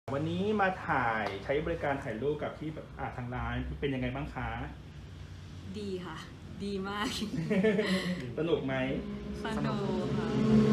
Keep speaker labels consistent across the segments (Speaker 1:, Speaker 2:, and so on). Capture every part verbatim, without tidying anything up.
Speaker 1: วันนี้มาถ่ายใช้บริการถ่ายรูปกับที่แบบอ่าทางร้านเป็นยังไงบ้างคะ
Speaker 2: ดีค่ะ ดีมาก
Speaker 1: สนุกไหม
Speaker 2: สนุกค่ะ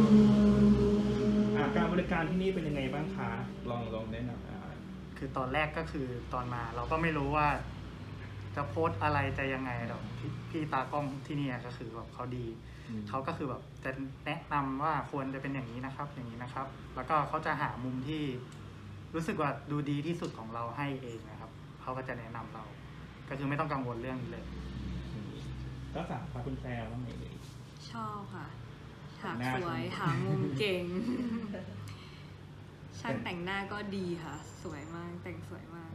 Speaker 1: อ่าการบริการที่นี่เป็นยังไงบ้างคะลองลองแนะนำอ่า
Speaker 3: คือตอนแรกก็คือตอนมาเราก็ไม่รู้ว่า จะโพสต์อะไรจะยังไงหรอกพี่พี่ตากล้องที่นี่ก็คือแบบเขาดีเขาก็คือแบบจะแนะนำว่าควรจะเป็นอย่างนี้นะครับ อย่างนี้นะครับ แล้วก็เขาจะหามุมที่รู้สึกว่าดูดีที่สุดของเราให้เองนะครับเขาก็จะแนะนำเรา ก็คือไม่ต้องกังวลเรื่องนี้เลย
Speaker 1: ก็ฝากพาคุณแพรว่าไงเลย
Speaker 2: ชอบค่ะฉาก
Speaker 1: หน้า
Speaker 2: สวย
Speaker 1: ชม
Speaker 2: หามุมเก่ง ช่างแต่งหน้าก็ดีค่ะ สวยมาก แต่งสวยมาก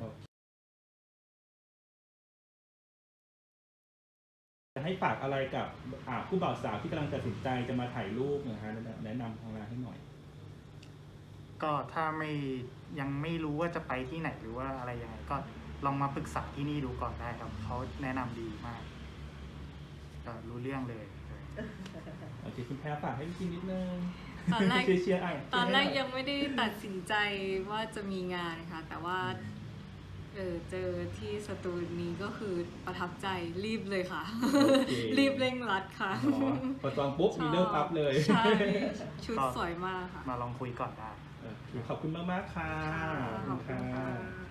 Speaker 1: จะให้ฝากอะไรกับอ่าผู้บ่าวสาวที่กำลังตัดสินใจจะมาถ่ายรูปนะฮะแนะนำทางร้านให้หน่อย
Speaker 3: ก็ถ้าไม่ยังไม่รู้ว่าจะไปที่ไหนหรือว่าอะไรยังไงก็ลองมาปรึกษาที่นี่ดูก่อนได้ครับเขาแนะนำดีมากก็รู้เรื่องเลย
Speaker 1: โอเคคุณแพรฝากให้พี่กินนิดนึง
Speaker 2: ตอนแรก
Speaker 1: เชียร์ๆอ่ะ
Speaker 2: ตอนแรกยังไม่ได้ตัดสินใจว่าจะมีงานค่ะ แต่ว่าเออเจอที่สตูนี้ก็คือประทับใจรีบเลยค่ะ รีบเร่งรัดค่ะ
Speaker 1: อ๋อพอจองปุ๊บมีเริ่มปั๊บเลย
Speaker 2: ใช่ชุดสวยมากค่ะ
Speaker 3: มาลองคุยก่อนได้
Speaker 1: โอเคขอบคุณมากๆค่ะ
Speaker 2: ขอบคุณค่ะ